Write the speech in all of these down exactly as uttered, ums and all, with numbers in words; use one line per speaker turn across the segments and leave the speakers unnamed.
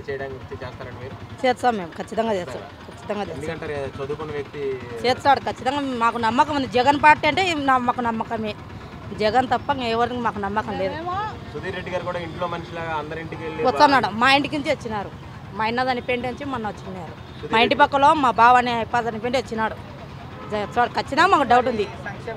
చేయడానికి చేస్తారండి మీరు?
చేస్తాం మేము, ఖచ్చితంగా చేస్తాం, ఖచ్చితంగా చేస్తాం.
ఎందుకంటారు చదువుకున్న వ్యక్తి
చేస్తాడు ఖచ్చితంగా. మాకు నమ్మకం ఉంది. జగన్ పార్టీ అంటే మాకు నమ్మకమే. జగన్ తప్ప ఎవరికి మాకు నమ్మకం లేదు.
సుధీర్ రెడ్డి గారు కూడా ఇంట్లో మనిషిలాగా అందరింటికి వెళ్ళి
వస్తున్నాడు. మా ఇంటికి నుంచి వచ్చినారు. మా ఇన్నదని పెండి నుంచి మొన్న వచ్చినారు. మా ఇంటి పక్కలో మా బావని పదని పెండి వచ్చినాడు. ఖచ్చితంగా మాకు డౌట్ ఉంది.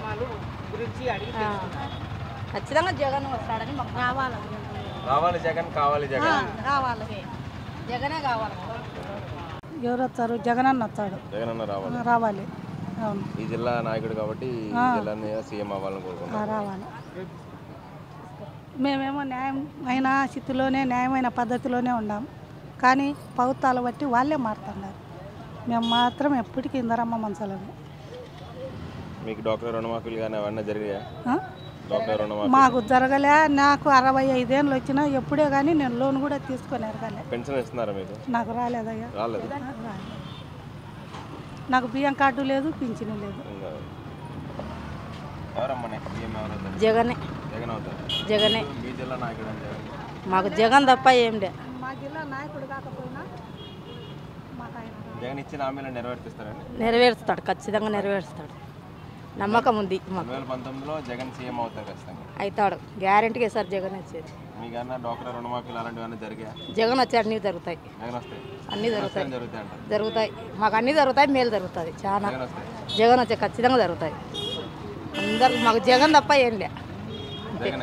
ఖచ్చితంగా జగన్ వస్తాడని మాకు కావాలి.
రావాలి జగన్, కావాలి జగన్,
కావాలి జగనే కావాలి.
ఎవరు వస్తారు? జగన్ అన్న వస్తాడు.
జగన్ అన్న రావాలి
రావాలి అవును.
ఈ జిల్లా నాయకుడు కాబట్టి ఈ జిల్లాని సీఎం అవ్వాలని కోరుకుంటున్నాం.
రావాలి. మేమేమో న్యాయం అయిన స్థితిలోనే న్యాయమైన పద్ధతిలోనే ఉన్నాం. కానీ ప్రభుత్వాలు బట్టి వాళ్ళే మారుతున్నారు. మేము మాత్రం ఎప్పటికీ ఇందరమ్మ మంచాలని.
మీకు డాక్టర్ రుణమాఫీలు కానీ అవన్నీ జరిగాయా? డాక్టర్ రుణమాఫీ
మాకు జరగలే. నాకు అరవై ఐదేళ్ళు వచ్చినా ఎప్పుడే కానీ నేను లోన్ కూడా తీసుకొని ఎరగలే.
పెన్షన్ ఇస్తున్నారా మీకు?
నాకు రాలేదయ్యా.
రాలేదు.
నాకు బియ్యం కార్డు లేదు, పింఛను లేదు.
జగనే
జగన్ అవుతారు.
జగనే
మీ జిల్లా నాయకుడు అంటే
మాకు జగన్ తప్ప ఏం లే.
మా జిల్లా నాయకుడు కాకపోయినా మాకు ఆయన
జగన్ ఇచ్చిన హామీలను నెరవేర్తిస్తారండి?
నెరవేరుస్తాడు, ఖచ్చితంగా నెరవేరుస్తాడు. నమ్మకం ఉంది.
రెండు వేల పంతొమ్మిదిలో జగన్ సీఎం అవుతారు ఖచ్చితంగా.
అవుతాడు గ్యారెంటీగా సార్ జగన్ వచ్చేది.
మీకన్నా డాక్టర్ రుణమాఫీలు అలాంటివన్నీ జరిగాయా?
జగన్ వచ్చి అన్నీ జరుగుతాయి.
జగన్ వస్తాయి,
అన్నీ జరుగుతాయి.
జరుగుతాయి అంటారు.
జరుగుతాయి. మాకు అన్నీ జరుగుతాయి. మేలు జరుగుతుంది చాలా.
జగన్ వస్తాయి.
జగన్ వచ్చే ఖచ్చితంగా జరుగుతాయి. అందరికి మాకు జగన్ తప్ప ఏం లే.
జగనే.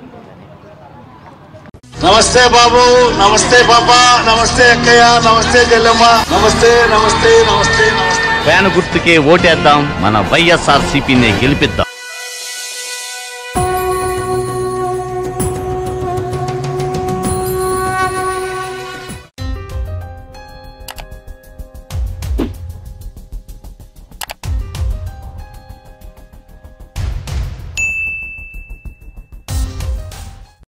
నమస్తే బాబు, నమస్తే పాప, నమస్తే అక్కయ్య, నమస్తే చెల్లెమ్మ, నమస్తే నమస్తే నమస్తే నమస్తే.
ఫ్యాన్ గుర్తుకే ఓటేద్దాం, మన వైఎస్ఆర్ సిపిని గెలిపిద్దాం.